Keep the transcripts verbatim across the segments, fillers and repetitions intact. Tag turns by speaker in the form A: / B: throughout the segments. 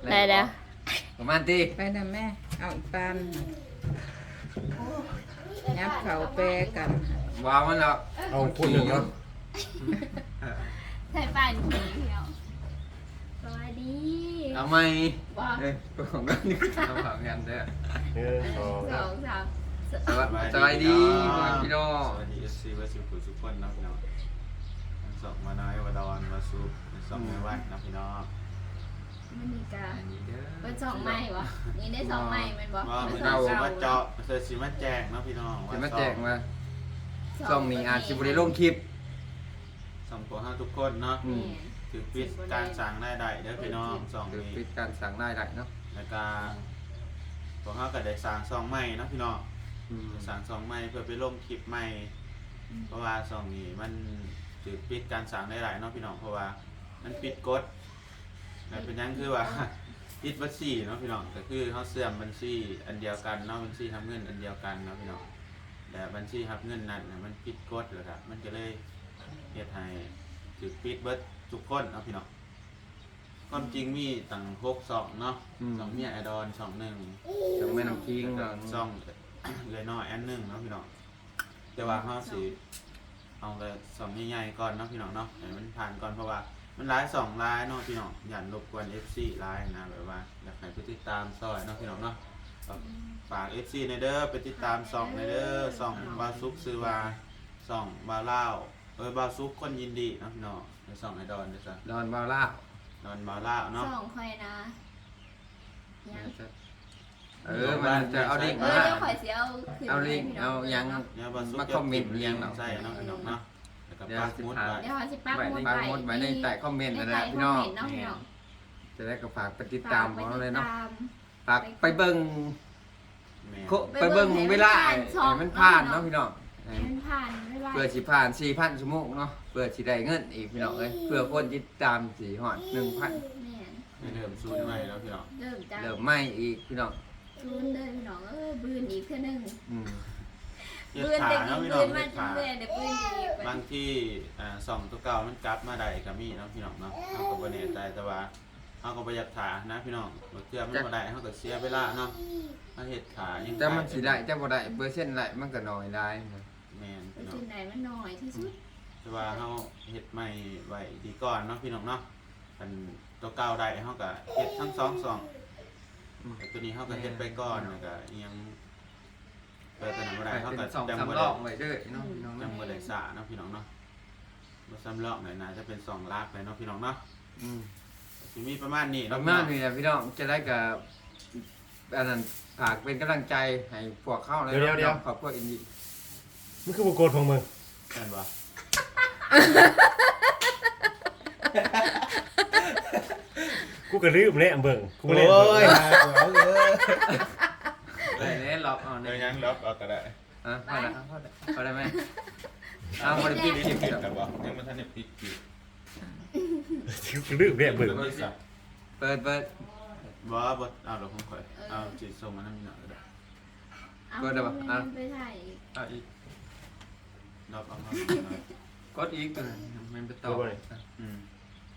A: ได้แล้ว
B: ประมาณตี
C: ไปนะแม่เอาอีกปานยับเขาแปรกัน
B: วางมันแล้ว
D: เอาคนหนึ่งเนาะ
A: ใส่ป่านผีเดียวสวัสดี
B: เอาไหม
A: ว้า
B: เอ้ยของกันนี่เอาฝากกันเด้อ
D: หนึ่งสอง
A: สองสาม
B: สวัสดีสวัสดีพี่น้อง
E: สวัสดีเอฟซีวัสุขุสุขคนนะพี่น้องทั้งสองมาน้อยวดอนวาสุทั้งสองในวัดนะพี่น้อง
A: มันมีกา
B: อันนี้เด้อ
A: เป็นสองไม้วะนี่ได้สองไม้แมันบ่
E: ว่า
A: เป็
E: มัน
A: นสอง
E: เอา
A: เก้า
E: มาเจาะเสร็จสิมาแจกนะพี่น้อง
B: จะมาแจกมาช่องนี้อาจจะบริลงคลิป
E: สองตัวห้าทุกคนเนาะ
B: อืม
E: ถือปิดการสั่งได้ได้เด้อพี่น้องสอง
B: คือ
E: นี้
B: ปิดการสั่งได้ได้เนาะ
E: แล้วก็ตัวห้าก็ได้สั่งสองใหม่นะพี่น้อง
B: อืม
E: สั่งสองใหม่เพื่อไปลงคลิปใหม่เพราะว่าสองนี้มันถือปิดการสั่งได้หลายเนาะพี่น้องเพราะว่ามันปิดกฎแล้วเป็นยังคือว่า ปิดบัญชีเนาะพี่น้องก็คือเขาเสื่อมบัญชีอันเดียวกันเนาะบัญชีทำเงินอันเดียวกันเนาะพี่น้องแต่บัญชีทับเงินนั้นน่ะมันปิดกฎเลยครับมันก็เลยเหตุให้ถือปิดเบิดทุกคนเนาะพี่น้องความจริงมีตั้งหกสองเนาะสองเมียไอดอนสองหนึ่ง
B: จะไม่น้ำคิง
E: แล้ว
B: เนาะ
E: ก็สองเลยน้อยอันหนึ่งเนาะพี่น้องแต่ว่าเขาสิเอาไปสองใหญ่ๆก่อนเนาะพี่น้องเนาะให้มันผ่านก่อนเพราะว่ามันร้ายสองร้ายเนาะพี่น้องอย่ารบกวน เอฟ ซี ร้ายนะแบบว่าอยากให้ไปติดตามซอยเนาะพี่น้องเนาะฝาก เอฟ ซี ในเด้อไปติดตามส่องในเด้อส่องบาซุกซื้อว่าส่องบาเล่าเออบาซุกคนยินดีเนาะพี่น้องในส่องไอดอนเด้อจ้ะ
B: ดอนบาล่า
E: ดอนบาเล่าเนาะ
A: สองคอยนะยัง
B: เออมันจะเอาดิ่ง
A: เอ
B: มา
A: อเดี๋ยวคอยเสียเอาขึ้น
B: เอาลิง
A: ให้พี่น้
B: เอายัง
E: เนี่ยบาซุก
B: มาคอมเมนต์เรียงเนาะ
E: ใช่เนาะพี่น้องเนาะแล้วก็
B: เดี๋ยว
E: ปัก
B: สิ
E: หมุด
B: พา
E: ไว้
A: เดี๋ยวเขาสิปัก
B: ไว้
A: หมุด
B: ปักหมุดไว้ในใต้คอมเมนต์นั่นแหละพี่น้อง
A: ใต้คมเมต์เนาะพี่น้อง
B: จะได้ก็ฝากไปติดตามของเราเลยเนาะ
A: ฝาก
B: ฝากไปเบิ่ง
E: แม่
B: โคไปเบิ่งเวลาให้มันผ่านเนาะพี่น้อง
A: ให้มันผ่านไม่ว่า
B: เพื่อสิผ่าน สี่พัน ชั่วโมงเนาะเพื่อสิได้เงินอีกพี่น้องเอ้ยเพื่อคนติดตามสิฮอด หนึ่งพัน
A: แม่น
E: ให้เริ่มซูนใหม่แล้วพี่น้อง
A: เริ่มจาก
B: เริ่มใหม่อีกพี่น้อง
A: ซูนเดินพี่น้องเออบืนอีกเท่านึง
B: อืม
E: เฮ็ด
A: บืน
E: ขา
A: แต่
E: เนาะ
A: กิน
E: พี่น้
A: บื
E: อง
A: นมา
E: เฮ็ด
A: จน
E: ขา
A: เบื่อเดี๋ยวบืนอีก
E: บางที่อ่าสองตัวเก่ามันกลับมาได้ก็มีเนาะพี่น้องเนาะเฮาก็บ่แน่ใจแต่ว่าเฮาก็บ่อยากขานะพี่น้องบ่เทื่อมันบ่ได้เฮาก็เสียเวลาเนาะมาเฮ็ดขายัง
B: แต่มันสิได้แต่บ่ได้เปอร์เซ็นต์ได้มันก็น้อยได้นะ
E: แม่น
A: ไป
E: พี่น้อ
A: จุ
E: ง
A: ดไหนมันหน่อยที่สุด
E: แต่ว่าเฮาเฮ็ดใหม่ไว้ดีก่อนเนาะพี่น้องเนาะอันตัวเก่าได้เฮาก็เฮ็ดทั้งสองสองแต่ตัวนี้เฮาก็เฮ็ดไปก่อนแล้วก็อิหยังเปิดตัวนั้นบ่ได้เฮา
B: เป็
E: ก็
B: นสอง
E: จำ
B: สาม
E: บ่
B: ร
E: ได้
B: อบไว้เด้อพี่น้องพี่น้อง
E: จำบ่ได้สาเนาะพี่น้องเนาะบ่ซ้ำรอบหน่อยนะจะเป็นสองลากเลยเนาะพี่น้องเนาะ
B: อืม
E: สิมีประมาณนี้
B: ป
E: เนาะ
B: ระมาณนี้แหละพี่น้องจะได้กับอันนั้นฝากเป็นกำลังใจให้พวกเข้าเลยนาะขอบคุณอินดี้
D: มันคือบุกโกดของมึง
E: แม่นบ่
D: กูก็ลืมเลยอ่ะเบิ่งกู
F: โอ้
D: เล่น
F: ย
D: เบิ่ง
F: เอาเลย
B: ได้เลยล็อกเอา
E: เดี๋
B: เนี่ย
E: วย ยังล็อกเอาก็ได้
B: อ่ะพอได้พอได้พอได้ไหมเอาบริปิดคลิป
E: ปิด
B: ครับ
E: กันบ่ยังบ่ทันได้ปิดปิด
D: กูลืมเลยอ่ะเบิ่ง
E: เปิดสับ
B: เปิดเปิด
E: บ่บ่เอาดอกของข่อยเอาจิตส่งมานำหน่อยก็ได้
A: เอามันไปถ่ายอีก
E: เอาอีกล็อกเอามาก
B: ดอีกตัวนึงมันไปต่อ
E: อืม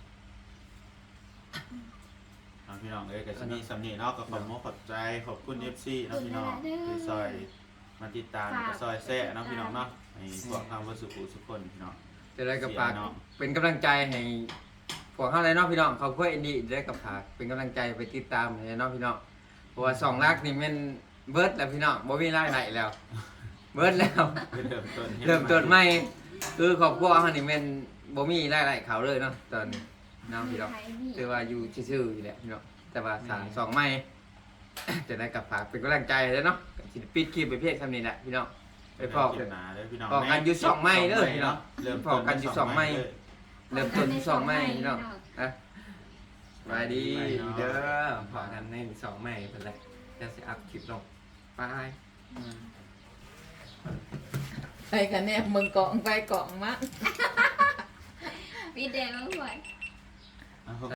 E: เอาพี่น้องเอ้ยก็สิมีสำนีเนาะก็ขอบมกขอบใจขอบคุณ เอฟ ซี เนาะพี่น้องที่ซอยมาติดตามก็ซอยแซ่เนาะพี่น้องเนาะให้พวกทางวัดสุขุทุกคนพี่น้อง
B: จะได้กับฝากเป็นกำลังใจให้พวกเข้าเลยเนาะพี่น้องเขาเพื่ออินดี้ได้กับฝากเป็นกำลังใจไปติดตามเลยเนาะพี่น้องเพราะว่าสองลักนี่มันเบิร์ดแล้วพี่น้องบ่มีรายได้แล้ว เบิร์ดแล้ว
E: เริ่มต้น
B: เริ่มต้นใหม่คือครอบครัวเขานี่แมันบ่มีรายได้เขาเลยเนาะตอนนี้เนาะพี่น้องคือว่าอยู่ซื่อๆอยู่แหละพี่น้องแต่ว่าสร้างสองใหม่ จะได้กับฝากเป็นกำลังใจเลยเนาะสิปิดคลิปไปเพียงเท่านี้แหละพี่น้องไปพอ
E: เก็บหนาเด้อพี่น้อง
B: พอกันอยู่สองไม้เด้อพี่น้อง
E: เริ่ม
B: พอกันอยู่สองไม้ เริ่มต้นที่สองใหม่พี่น้องนะสวัสดีเด้อพอกันในสองใหม่เป็นไรจะสิอัพคลิปลงไป
C: ไปกันแนบมึงเกาะไปเกาะมา
A: พี่แดงแล้วหวย
E: เอา